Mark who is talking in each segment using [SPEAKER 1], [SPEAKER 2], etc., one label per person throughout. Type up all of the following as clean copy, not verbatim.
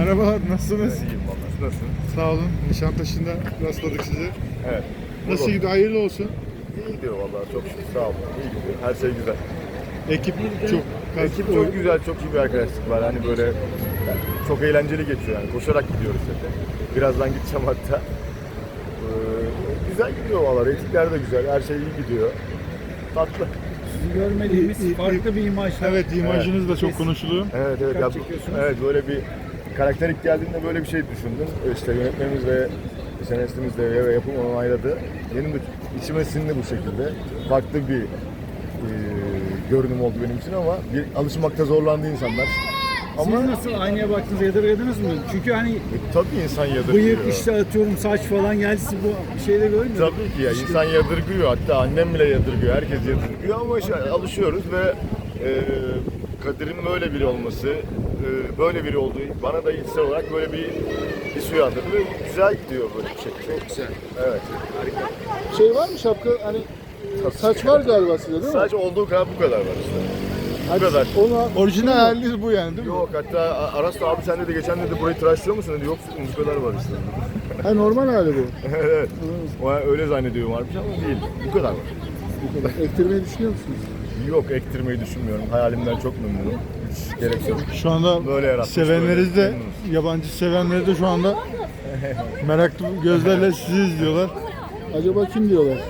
[SPEAKER 1] Merhabalar, nasılsınız?
[SPEAKER 2] İyiyim valla. Nasılsın?
[SPEAKER 1] Sağ olun. Nişantaşı'nda rastladık sizi.
[SPEAKER 2] Evet.
[SPEAKER 1] Nasıl gidiyor? Hayırlı olsun.
[SPEAKER 2] İyi gidiyor valla. Çok şükür. Sağ olun. İyi gidiyor. Her şey güzel.
[SPEAKER 1] Ekip çok
[SPEAKER 2] Ekip çok güzel. Çok iyi bir arkadaşlık var. Hani böyle yani çok eğlenceli geçiyor yani. Koşarak gidiyoruz zaten. Birazdan gideceğim hatta. Güzel gidiyor valla. Reytingler de güzel. Her şey iyi gidiyor. Tatlı.
[SPEAKER 3] Sizi görmediğimiz farklı bir imaj.
[SPEAKER 1] Evet, imajınız da çok konuşuluyor.
[SPEAKER 2] Evet evet.
[SPEAKER 3] Dikkat çekiyorsunuz.
[SPEAKER 2] Evet böyle bir karakter ilk geldiğinde böyle bir şey düşündüm. İşte yönetmenimiz ve senaristimiz de yapım onayladı. Benim de içime sindi bu şekilde. Farklı bir görünüm oldu benim için ama alışmakta zorlandı insanlar. Ama
[SPEAKER 3] Siz nasıl aynaya baktınız, yadırgadınız mı? Çünkü hani
[SPEAKER 2] tabii insan yadırgıyor.
[SPEAKER 3] bıyık işte atıyorum saç falan geldi, siz bu şeyde görmüyor.
[SPEAKER 2] Tabii ki ya insan yadırgıyor, hatta annem bile yadırgıyor, herkes yadırgıyor ama işte alışıyoruz ve Kadir'in böyle biri olması, böyle biri olduğu bana da içsel olarak böyle bir his uyandırdı ve güzel gidiyor böyle bir şekilde.
[SPEAKER 1] Çok güzel.
[SPEAKER 2] Evet.
[SPEAKER 1] Şey var mı şapka? Hani saç var galiba sizde değil mi?
[SPEAKER 2] Sadece olduğu kadar bu kadar var işte. Bu kadar.
[SPEAKER 1] Orijinal haliniz bu yani değil mi?
[SPEAKER 2] Yok hatta Aras da abi sen dedi geçen dedi burayı tıraşlıyor musun dedi. Yok bu kadar var işte.
[SPEAKER 1] Ha, normal hali bu.
[SPEAKER 2] Evet. O öyle zannediyorum varmış ama değil. Bu kadar var.
[SPEAKER 1] Bu kadar. Ektirmeyi düşünüyor musunuz?
[SPEAKER 2] Yok ektirmeyi düşünmüyorum. Hayalimden çok memnunum. Hiç gerek yok.
[SPEAKER 1] Şu anda
[SPEAKER 2] Böyle yaratmış,
[SPEAKER 1] sevenleriniz de,
[SPEAKER 2] böyle memnunuz.
[SPEAKER 1] yabancı sevenleri de şu anda meraklı gözlerle sizi izliyorlar. Acaba kim diyorlar?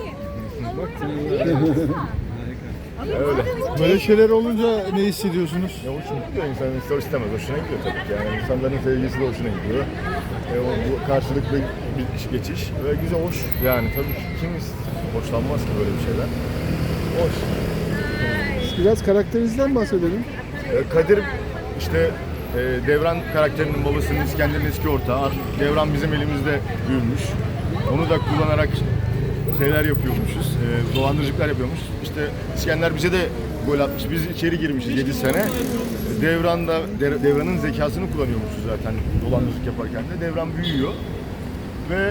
[SPEAKER 2] Öyle.
[SPEAKER 1] Böyle şeyler olunca ne hissediyorsunuz?
[SPEAKER 2] Ya hoşuna gidiyor insanın ister istemez. Hoşuna gidiyor tabii ki. Yani insanların sevgisi de hoşuna gidiyor. Bu karşılıklı bir geçiş ve güzel, hoş. Yani tabii ki kim hoşlanmaz ki böyle bir şeyler. Hoş.
[SPEAKER 1] Biraz karakterinizden bahsedelim.
[SPEAKER 2] Kadir işte Devran karakterinin babasının İskender'in eski ortağı. Devran bizim elimizde büyümüş. Onu da kullanarak şeyler yapıyormuşuz. Dolandırıcılıklar yapıyormuş. İşte İskender bize de gol atmış. Biz içeri girmişiz 7 sene. Devran'ın zekasını kullanıyormuşuz zaten dolandırıcılık yaparken de. Devran büyüyor ve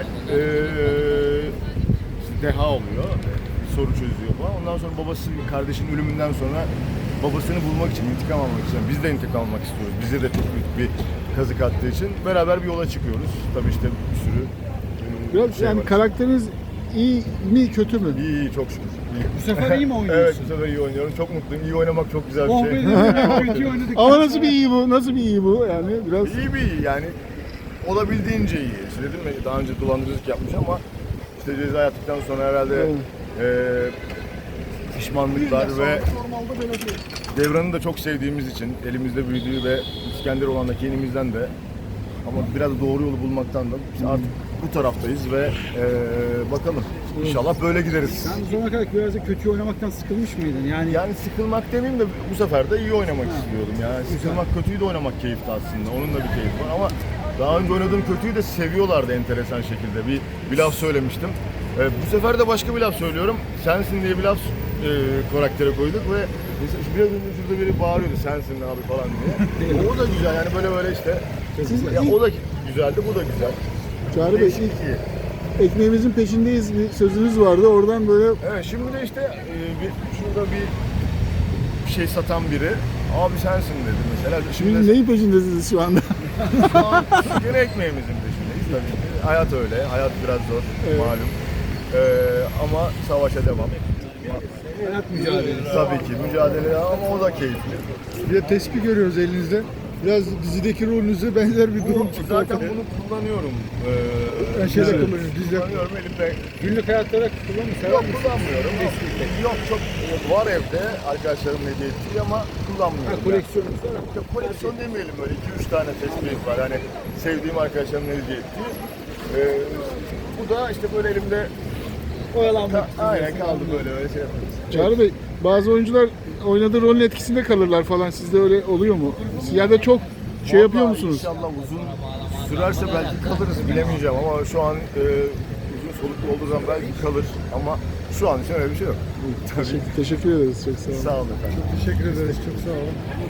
[SPEAKER 2] işte deha oluyor. Soru çözüyor falan. Ondan sonra babası kardeşinin ölümünden sonra babasını bulmak için, intikam almak için, biz de intikam almak istiyoruz. Bize de çok büyük bir kazık attığı için beraber bir yola çıkıyoruz. Tabii işte bir sürü
[SPEAKER 1] Biraz yani
[SPEAKER 2] var.
[SPEAKER 1] karakteriniz iyi mi kötü mü?
[SPEAKER 2] İyi, iyi çok şükür. İyi.
[SPEAKER 3] Bu sefer iyi mi
[SPEAKER 2] Evet,
[SPEAKER 3] oynuyorsun?
[SPEAKER 2] bu sefer iyi oynuyorum. Çok mutluyum. İyi oynamak çok güzel
[SPEAKER 3] Oh
[SPEAKER 2] bir
[SPEAKER 3] be
[SPEAKER 2] şey.
[SPEAKER 3] dedim, kötü oynadık.
[SPEAKER 1] Ama nasıl bir iyi bu? Nasıl bir iyi bu? Yani biraz
[SPEAKER 2] İyi bir iyi yani. Olabildiğince iyi. İşte dedim ya daha önce dolandırıcılık yapmış ama işte ceza yattıktan sonra herhalde pişmanlıklar ve Devran'ı da çok sevdiğimiz için elimizde büyüdüğü ve İskender olan da kendimizden de ama biraz doğru yolu bulmaktan da biz artık bu taraftayız ve bakalım inşallah böyle gideriz.
[SPEAKER 3] Sen bu zamana kadar biraz da kötü oynamaktan sıkılmış mıydın?
[SPEAKER 2] Yani sıkılmak demeyeyim de bu sefer de iyi oynamak istiyordum. Yani sıkılmak kötüyü de oynamak keyifli aslında. Onun da bir keyfi var ama daha önce oynadığım kötüyü de seviyorlardı enteresan şekilde. Bir laf söylemiştim. Bu sefer de başka bir laf söylüyorum. Sensin diye bir laf karaktere koyduk ve biraz önce şurada biri bağırıyordu sensin abi falan diye. O da güzel yani böyle işte. Ya o da güzeldi, bu da güzel.
[SPEAKER 1] Çağrı Bey,
[SPEAKER 2] Değişik iyi.
[SPEAKER 1] ekmeğimizin peşindeyiz bir sözünüz vardı. Oradan böyle
[SPEAKER 2] Evet şimdi de işte şurada bir şey satan biri abi sensin dedi mesela.
[SPEAKER 1] şimdi neyin peşindesiniz şu anda?
[SPEAKER 2] Şu an gene ekmeğimizin peşindeyiz tabii ki. Hayat öyle, hayat biraz zor malum. Ama savaşa devam.
[SPEAKER 3] Hayat mücadelesi.
[SPEAKER 2] Tabii ki mücadele ama o da keyifli.
[SPEAKER 1] Bir de tespih görüyoruz elinizde. Biraz dizideki rolünüze benzer bir durum çıktı.
[SPEAKER 2] Zaten bunu kullanıyorum.
[SPEAKER 1] Ben şeyde kullanıyorum, dizide.
[SPEAKER 2] Kullanıyorum elimde.
[SPEAKER 3] Günlük hayatta da kullanır
[SPEAKER 2] Yok kullanmıyorum. Yok çok var evde arkadaşlarım hediye ettiği ama kullanmıyorum.
[SPEAKER 3] koleksiyonumuz var.
[SPEAKER 2] Ya, koleksiyon demeyelim böyle 2-3 tane tespih var. Hani sevdiğim arkadaşlarımın hediye ettiği. Bu da işte böyle elimde
[SPEAKER 3] Oyalanmak.
[SPEAKER 2] aynen kaldı böyle şey yaparız.
[SPEAKER 1] Çağrı Bey, bazı oyuncular oynadığı rolün etkisinde kalırlar falan. Sizde öyle oluyor mu? Ya da çok şey yapıyor
[SPEAKER 2] Vallahi
[SPEAKER 1] musunuz?
[SPEAKER 2] İnşallah uzun sürerse belki kalırız bilemeyeceğim ama şu an uzun soluklu olduğu zaman belki kalır ama şu an için öyle bir şey yok. Tabii.
[SPEAKER 1] Teşekkür ederiz. Çok sağ olun.
[SPEAKER 2] Sağ olun efendim.
[SPEAKER 1] Teşekkür ederiz. Çok sağ olun.